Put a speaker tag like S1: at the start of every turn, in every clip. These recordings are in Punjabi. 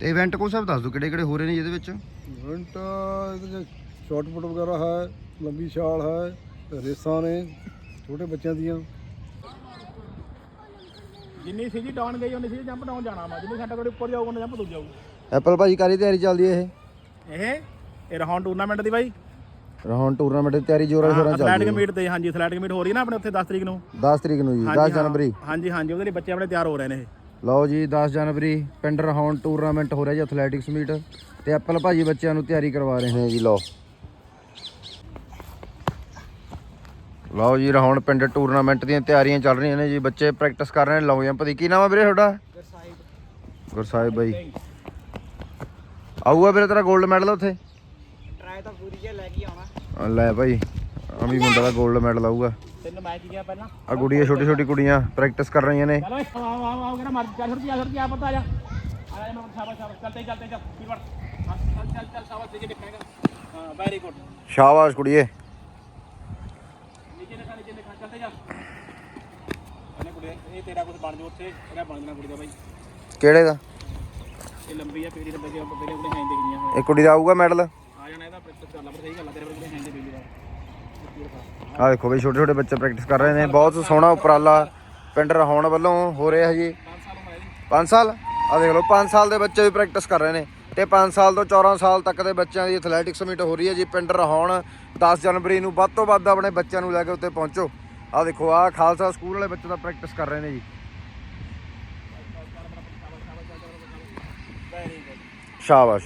S1: ਤੇ ਇਵੈਂਟ ਕੋ ਸਭ ਦੱਸ ਦਿਓ ਕਿਹੜੇ ਕਿਹੜੇ ਹੋ ਰਹੇ ਨੇ ਜਿਹਦੇ ਵਿੱਚ।
S2: इवेंट शॉटपुट वगैरह है, लंबी छाल है, रेसा ने छोटे बच्चों दियाँ।
S3: जिन्नी सीधी डाउन गई उन्नी सीधी जंप डाउन जाना वा, जिन्नी सेंटर कोड ऊपर जाऊगा उन्नी जंप दूर जाऊगा।
S1: ਐਪਲ ਭਾਜੀ ਕਾਰੀ ਤਿਆਰੀ ਚੱਲਦੀ ਹੈ
S3: ਇਹ ਰਹਾਉਣ ਟੂਰਨਾਮੈਂਟ ਦੀ ਬਾਈ,
S1: ਹੁਣ ਟੂਰਨਾਮੈਂਟ ਦੀ ਤਿਆਰੀ ਜੋਰਾਂ ਸ਼ੋਰਾਂ ਚੱਲ
S3: ਐਥਲੈਟਿਕ
S1: ਰਹੀ ਹੈ।
S3: ਮੀਟ ਤੇ ਹਾਂਜੀ ਐਥਲੈਟਿਕ ਮੀਟ ਹੋ ਰਹੀ ਹੈ ਨਾ ਆਪਣੇ ਉੱਥੇ 10 ਤਰੀਕ ਨੂੰ।
S1: 10 ਤਰੀਕ ਨੂੰ ਜੀ, 10 ਜਨਵਰੀ।
S3: ਹਾਂਜੀ ਹਾਂਜੀ ਉਹਦੇ ਲਈ ਬੱਚੇ ਆਪਣੇ ਤਿਆਰ ਹੋ ਰਹੇ ਨੇ ਇਹ।
S1: ਲਓ ਜੀ 10 ਜਨਵਰੀ ਪਿੰਡ ਰਹਾਉਣ ਟੂਰਨਾਮੈਂਟ ਹੋ ਰਿਹਾ ਜੀ ਐਥਲੈਟਿਕਸ ਮੀਟ, ਤੇ ਐਪਲ ਭਾਜੀ ਬੱਚਿਆਂ ਨੂੰ ਤਿਆਰੀ ਕਰਵਾ ਰਹੇ ਨੇ ਜੀ। ਲਓ ਜੀ ਰਹਾਉਣ ਪਿੰਡ ਟੂਰਨਾਮੈਂਟ ਦੀਆਂ ਤਿਆਰੀਆਂ ਚੱਲ ਰਹੀਆਂ ਨੇ ਜੀ, ਬੱਚੇ ਪ੍ਰੈਕਟਿਸ ਕਰ ਰਹੇ ਨੇ। ਲਓ ਜੰਪ ਦੀ ਕੀ ਨਾਮ ਹੈ ਵੀਰੇ ਤੁਹਾਡਾ? ਗੁਰਸਾਹਿਬ ਬਾਈ। ਆਊਗਾ ਵੀਰੇ ਤੇਰਾ 골ਡ ਮੈਡਲ ਉੱਥੇ?
S3: ਟਰਾਈ ਤਾਂ ਪੂਰੀ ਜੇ ਲੈ ਕੇ ਆਉਣਾ।
S1: ਲੈ ਭਾਈ ਅਮੀ ਮੁੰਡਾ ਦਾ 골ਡ ਮੈਡਲ ਆਊਗਾ।
S3: ਤਿੰਨ ਮੈਚ ਗਿਆ ਪਹਿਲਾਂ।
S1: ਆ ਗੁੜੀਆਂ ਛੋਟੀ ਛੋਟੀ ਕੁੜੀਆਂ ਪ੍ਰੈਕਟਿਸ ਕਰ ਰਹੀਆਂ ਨੇ।
S3: ਚਲੋ ਆਓ ਕਹਿੰਦਾ ਮਰ ਚੱਲ ਛੁੱਟੀ ਆ ਪਤਾ ਆ ਜਾ ਮੈਂ ਸ਼ਾਬਾਸ਼ ਸ਼ਾਬਾਸ਼ ਚਲਤੇ ਚੱਲ ਕੀ ਵੜ ਚੱਲ ਸ਼ਾਬਾਸ਼ ਦੇ ਦੇਖਾਂਗਾ। ਹਾਂ ਵੈਰੀ ਗੁੱਡ
S1: ਸ਼ਾਬਾਸ਼ ਕੁੜੀਏ।
S3: ਨੀਚੇ ਦੇਖਾ ਚਲਤੇ ਜਾ ਇਹਨੇ ਕੁੜੀ ਇਹ ਤੇਰਾ ਕੁਝ ਬਣ ਜਾ ਉੱਥੇ ਇਹਦਾ ਬਣ ਜਾਣਾ ਕੁੜੀ ਦਾ ਬਾਈ।
S1: ਕਿਹੜੇ ਦਾ?
S3: ਇਹ ਲੰਬੀ ਆ ਪੀੜੀ ਦੇ ਬੱਚੇ ਆਪਣੇ ਆਪਣੇ ਹੈਂਡ ਦੇਖੀਆਂ ਹੋਏ
S1: ਇਹ ਕੁੜੀ ਦਾ ਆਊਗਾ ਮੈਡਲ?
S3: ਆ ਜਾਣਾ ਇਹਦਾ ਪ੍ਰੈਕਟਿਸ ਕਰ ਲਾ ਪਰ ਸਹੀ ਗੱਲ ਆ ਤੇਰੇ ਕੋਲ ਹੈਂਡ ਦੇ ਪੀੜੀ ਦਾ।
S1: ਆ ਦੇਖੋ ਬਈ ਛੋਟੇ ਛੋਟੇ ਬੱਚੇ ਪ੍ਰੈਕਟਿਸ ਕਰ ਰਹੇ ਨੇ। ਬਹੁਤ ਸੋਹਣਾ ਉਪਰਾਲਾ ਪਿੰਡ ਰਹਾਉਣ ਵੱਲੋਂ ਹੋ ਰਿਹਾ ਜੀ। 5 ਸਾਲ ਆ ਦੇਖ ਲਓ 5 ਸਾਲ ਦੇ ਬੱਚੇ ਵੀ ਪ੍ਰੈਕਟਿਸ ਕਰ ਰਹੇ ਨੇ, ਤੇ 5 ਸਾਲ ਤੋਂ 14 ਸਾਲ ਤੱਕ ਦੇ ਬੱਚਿਆਂ ਦੀ ਐਥਲੈਟਿਕਸ ਮੀਟ ਹੋ ਰਹੀ ਹੈ ਜੀ ਪਿੰਡ ਰਹਾਉਣ। 10 ਜਨਵਰੀ ਨੂੰ ਵੱਧ ਤੋਂ ਵੱਧ ਆਪਣੇ ਬੱਚਿਆਂ ਨੂੰ ਲੈ ਕੇ ਉੱਤੇ ਪਹੁੰਚੋ। ਆ ਦੇਖੋ ਆ ਖਾਲਸਾ ਸਕੂਲ ਵਾਲੇ ਬੱਚੇ ਤਾਂ ਪ੍ਰੈਕਟਿਸ ਕਰ ਰਹੇ ਨੇ ਜੀ। ਸ਼ਾਬਾਸ਼।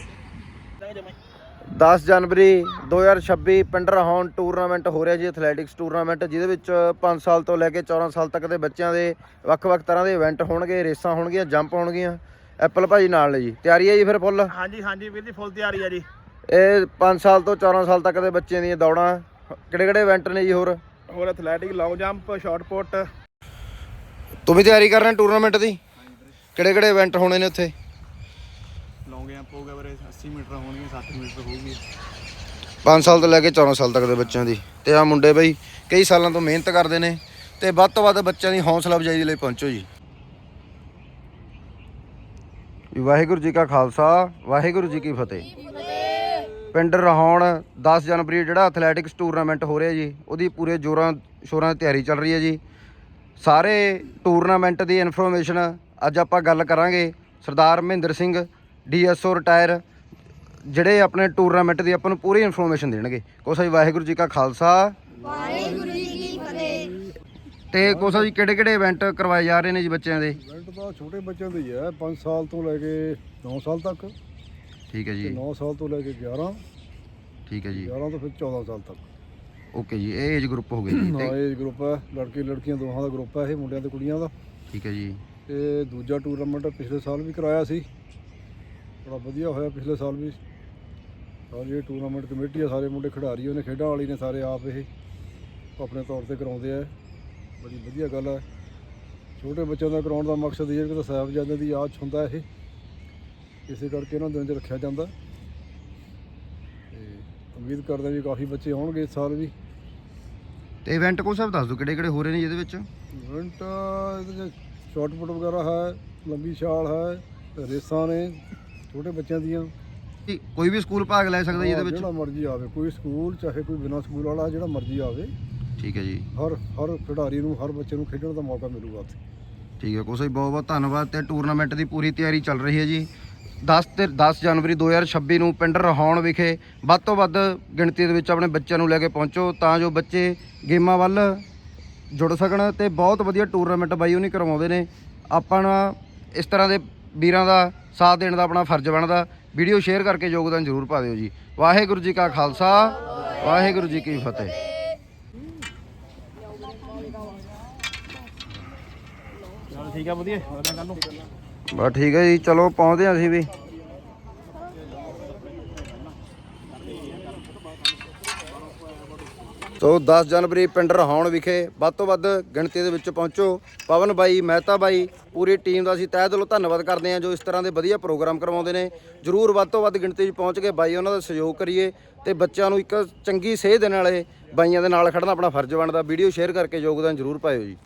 S1: 10 ਜਨਵਰੀ 2026 ਪਿੰਡ ਰਹਾਉਣ ਟੂਰਨਾਮੈਂਟ ਹੋ ਰਿਹਾ ਜੀ ਐਥਲੈਟਿਕਸ ਟੂਰਨਾਮੈਂਟ, ਜਿਹਦੇ ਵਿੱਚ 5 ਸਾਲ ਤੋਂ ਲੈ ਕੇ 14 ਸਾਲ ਤੱਕ ਦੇ ਬੱਚਿਆਂ ਦੇ ਵੱਖ-ਵੱਖ ਤਰ੍ਹਾਂ ਦੇ ਇਵੈਂਟ ਹੋਣਗੇ, ਰੇਸਾਂ ਹੋਣਗੀਆਂ, ਜੰਪ ਹੋਣਗੀਆਂ। ਐਪਲ ਭਾਜੀ ਨਾਲ ਨੇ ਜੀ। ਤਿਆਰੀ ਹੈ ਜੀ ਫਿਰ ਫੁੱਲ?
S3: ਹਾਂਜੀ ਹਾਂਜੀ ਵੀਰ ਜੀ ਫੁੱਲ ਤਿਆਰੀ ਆ ਜੀ।
S1: ਇਹ 5 ਸਾਲ ਤੋਂ 14 ਸਾਲ ਤੱਕ ਦੇ ਬੱਚਿਆਂ ਦੀਆਂ ਦੌੜਾਂ ਕਿਹੜੇ-ਕਿਹੜੇ ਇਵੈਂਟ ਨੇ ਜੀ? ਹੋਰ
S3: athletic, long jump, shot put.
S1: ਤੂੰ ਵੀ ਤਿਆਰੀ ਕਰ ਰਿਹਾ ਟੂਰਨਾਮੈਂਟ ਦੀ? ਕਿਹੜੇ-ਕਿਹੜੇ ਇਵੈਂਟ ਹੋਣੇ ਨੇ ਉੱਥੇ?
S3: ਲੌਂਗ ਜੰਪ ਹੋ ਗਿਆ ਵੀਰੇ, 80 ਮੀਟਰ ਹੋਣਗੇ, 60 ਮੀਟਰ ਹੋਊਗੀ।
S1: 5 ਸਾਲ ਤੋਂ ਲੈ ਕੇ 14 ਸਾਲ ਤੱਕ ਦੇ ਬੱਚਿਆਂ ਦੀ। ਤੇ ਆ ਮੁੰਡੇ ਬਈ ਕਈ ਸਾਲਾਂ ਤੋਂ ਮਿਹਨਤ ਕਰਦੇ ਨੇ, ਤੇ ਵੱਧ ਤੋਂ ਵੱਧ ਬੱਚਿਆਂ ਦੀ ਹੌਸਲਾ ਅਫਜ਼ਾਈ ਲਈ ਪਹੁੰਚੋ ਜੀ। ਵਾਹਿਗੁਰੂ ਜੀ ਕਾ ਖਾਲਸਾ, ਵਾਹਿਗੁਰੂ ਜੀ ਕੀ ਫਤਿਹ। ਪਿੰਡ ਰਹਾਉਣ 10 ਜਨਵਰੀ ਜਿਹੜਾ ਐਥਲੈਟਿਕਸ ਟੂਰਨਾਮੈਂਟ ਹੋ ਰਿਹਾ ਜੀ, ਉਹਦੀ ਪੂਰੇ ਜ਼ੋਰਾਂ ਸ਼ੋਰਾਂ ਦੀ ਤਿਆਰੀ ਚੱਲ ਰਹੀ ਹੈ ਜੀ। ਸਾਰੇ ਟੂਰਨਾਮੈਂਟ ਦੀ ਇਨਫੋਰਮੇਸ਼ਨ ਅੱਜ ਆਪਾਂ ਗੱਲ ਕਰਾਂਗੇ। ਸਰਦਾਰ ਮਹਿੰਦਰ ਸਿੰਘ DSO ਰਿਟਾਇਰ, ਜਿਹੜੇ ਆਪਣੇ ਟੂਰਨਾਮੈਂਟ ਦੀ ਆਪਾਂ ਨੂੰ ਪੂਰੀ ਇਨਫੋਰਮੇਸ਼ਨ ਦੇਣਗੇ। ਕੋਸਾ ਜੀ ਵਾਹਿਗੁਰੂ ਜੀ ਕਾ ਖਾਲਸਾ,
S4: ਵਾਹਿਗੁਰੂ ਜੀ ਕੀ ਫਤਿਹ।
S1: ਤੇ ਕੋਸਾ ਜੀ ਕਿਹੜੇ-ਕਿਹੜੇ ਇਵੈਂਟ ਕਰਵਾਏ ਜਾ ਰਹੇ ਨੇ ਜੀ ਬੱਚਿਆਂ ਦੇ?
S2: इवेंट तो छोटे बच्चों के ही है, 5 साल तो लेके 9 साल तक।
S1: ਠੀਕ ਹੈ ਜੀ।
S2: 9 साल तो लेके 11,
S1: ਠੀਕ ਹੈ ਜੀ।
S2: 11 तो फिर 14 साल तक।
S1: ਓਕੇ ਜੀ, ਇਹ ਏਜ ਗਰੁੱਪ ਹੋ ਗਏ ਜੀ।
S2: हाँ एज ग्रुप है, लड़के लड़कियां दोहां का ग्रुप है, ये मुंडियां ते कुड़ियां दा।
S1: ਠੀਕ ਹੈ ਜੀ।
S2: ਤੇ ਦੂਜਾ ਟੂਰਨਾਮੈਂਟ ਪਿਛਲੇ ਸਾਲ ਵੀ ਕਰਾਇਆ ਸੀ, ਬੜਾ ਵਧੀਆ ਹੋਇਆ ਪਿਛਲੇ ਸਾਲ ਵੀ। ਸਾਰੀ ਇਹ ਟੂਰਨਾਮੈਂਟ ਕਮੇਟੀ ਆ, ਸਾਰੇ ਮੁੰਡੇ ਖਿਡਾਰੀ ਉਹਨੇ ਖੇਡਾਂ ਵਾਲੀ ਨੇ ਸਾਰੇ ਆਪ ਇਹ ਆਪਣੇ ਤੌਰ ਤੇ ਕਰਾਉਂਦੇ ਆ। ਬੜੀ ਵਧੀਆ ਗੱਲ ਹੈ। ਛੋਟੇ ਬੱਚਿਆਂ ਦਾ ਕਰਾਉਣ ਦਾ ਮਕਸਦ ਇਹ ਹੈ ਕਿ ਸਾਹਿਬਜ਼ਾਦਿਆਂ ਦੀ ਯਾਦ 'ਚ ਹੁੰਦਾ ਇਹ, ਇਸੇ ਕਰਕੇ ਇਹਨਾਂ ਦਿਨਾਂ 'ਚ ਰੱਖਿਆ ਜਾਂਦਾ। ਤੇ ਉਮੀਦ ਕਰਦੇ ਵੀ ਕਾਫੀ ਬੱਚੇ ਆਉਣਗੇ ਇਸ ਸਾਲ ਵੀ।
S1: ਤੇ ਇਵੈਂਟ ਕੋ ਸਭ ਦੱਸ ਦਿਓ ਕਿਹੜੇ-ਕਿਹੜੇ ਹੋ ਰਹੇ ਨੇ ਜਿਹਦੇ ਵਿੱਚ।
S2: इवेंट शॉटपुट वगैरह है, लंबी छाल है, रेसा ने छोटे बच्चों दियाँ।
S1: ਕੋਈ ਵੀ ਸਕੂਲ ਭਾਗ ਲੈ ਸਕਦਾ ਜੀ ਇਹਦੇ ਵਿੱਚ?
S2: ਜਿਹੜਾ ਮਰਜ਼ੀ ਆਵੇ, ਕੋਈ ਸਕੂਲ ਚਾਹੇ ਕੋਈ ਬਿਨਾਂ ਸਕੂਲ ਵਾਲਾ, ਜਿਹੜਾ ਮਰਜ਼ੀ ਆਵੇ।
S1: ਠੀਕ ਹੈ ਜੀ।
S2: ਹਰ ਖਿਡਾਰੀ ਨੂੰ, ਹਰ ਬੱਚੇ ਨੂੰ ਖੇਡਣ ਦਾ ਮੌਕਾ ਮਿਲੂਗਾ ਉੱਥੇ।
S1: ਠੀਕ ਹੈ ਕੋਸਾ ਜੀ, ਬਹੁਤ-ਬਹੁਤ ਧੰਨਵਾਦ। ਤੇ ਟੂਰਨਾਮੈਂਟ ਦੀ ਪੂਰੀ ਤਿਆਰੀ ਚੱਲ ਰਹੀ ਹੈ ਜੀ। 10 ਜਨਵਰੀ 2026 ਨੂੰ ਪਿੰਡ ਰਹਾਉਣ ਵਿਖੇ ਵੱਧ ਤੋਂ ਵੱਧ ਗਿਣਤੀ ਦੇ ਵਿੱਚ ਆਪਣੇ ਬੱਚਿਆਂ ਨੂੰ ਲੈ ਕੇ ਪਹੁੰਚੋ, ਤਾਂ ਜੋ ਬੱਚੇ ਗੇਮਾਂ ਵੱਲ ਜੁੜ ਸਕਣ। ਤੇ ਬਹੁਤ ਵਧੀਆ ਟੂਰਨਾਮੈਂਟ ਬਾਈ ਉਹਨੀ ਕਰਵਾਉਂਦੇ ਨੇ। ਆਪਾਂ ਇਸ ਤਰ੍ਹਾਂ ਦੇ ਵੀਰਾਂ ਦਾ ਸਾਥ ਦੇਣ ਦਾ ਆਪਣਾ ਫਰਜ਼ ਬਣਦਾ। ਵੀਡੀਓ ਸ਼ੇਅਰ ਕਰਕੇ ਯੋਗਦਾਨ ਜ਼ਰੂਰ ਪਾ ਦਿਓ ਜੀ। ਵਾਹਿਗੁਰੂ ਜੀ ਕਾ ਖਾਲਸਾ, ਵਾਹਿਗੁਰੂ ਜੀ ਕੀ ਫਤਿਹ।
S3: ਚਲ ਠੀਕ ਆ, ਵਧੀਆ ਕੱਲ ਨੂੰ।
S1: ਬਸ ਠੀਕ ਹੈ ਜੀ, ਚਲੋ ਪਹੁੰਚਦੇ ਹਾਂ ਅਸੀਂ ਵੀ। ਸੋ 10 ਜਨਵਰੀ ਪਿੰਡ ਰਹਾਉਣ ਵਿਖੇ ਵੱਧ ਤੋਂ ਵੱਧ ਗਿਣਤੀ ਦੇ ਵਿੱਚ ਪਹੁੰਚੋ। ਪਵਨ ਬਾਈ, ਮਹਿਤਾ ਬਾਈ, ਪੂਰੀ ਟੀਮ ਦਾ ਅਸੀਂ ਤਹਿ ਦਿਲੋਂ ਧੰਨਵਾਦ ਕਰਦੇ ਹਾਂ ਜੋ ਇਸ ਤਰ੍ਹਾਂ ਦੇ ਵਧੀਆ ਪ੍ਰੋਗਰਾਮ ਕਰਵਾਉਂਦੇ ਨੇ। ਜ਼ਰੂਰ ਵੱਧ ਤੋਂ ਵੱਧ ਗਿਣਤੀ 'ਚ ਪਹੁੰਚ ਕੇ ਬਾਈ ਉਹਨਾਂ ਦਾ ਸਹਿਯੋਗ ਕਰੀਏ, ਤੇ ਬੱਚਿਆਂ ਨੂੰ ਇੱਕ ਚੰਗੀ ਸੇਧ ਦੇਣ ਵਾਲੇ ਬਾਈਆਂ ਦੇ ਨਾਲ ਖੜਨਾ ਆਪਣਾ ਫਰਜ਼ ਬਣਦਾ। ਵੀਡੀਓ ਸ਼ੇਅਰ ਕਰਕੇ ਯੋਗਦਾਨ ਜ਼ਰੂਰ ਪਾਇਓ ਜੀ।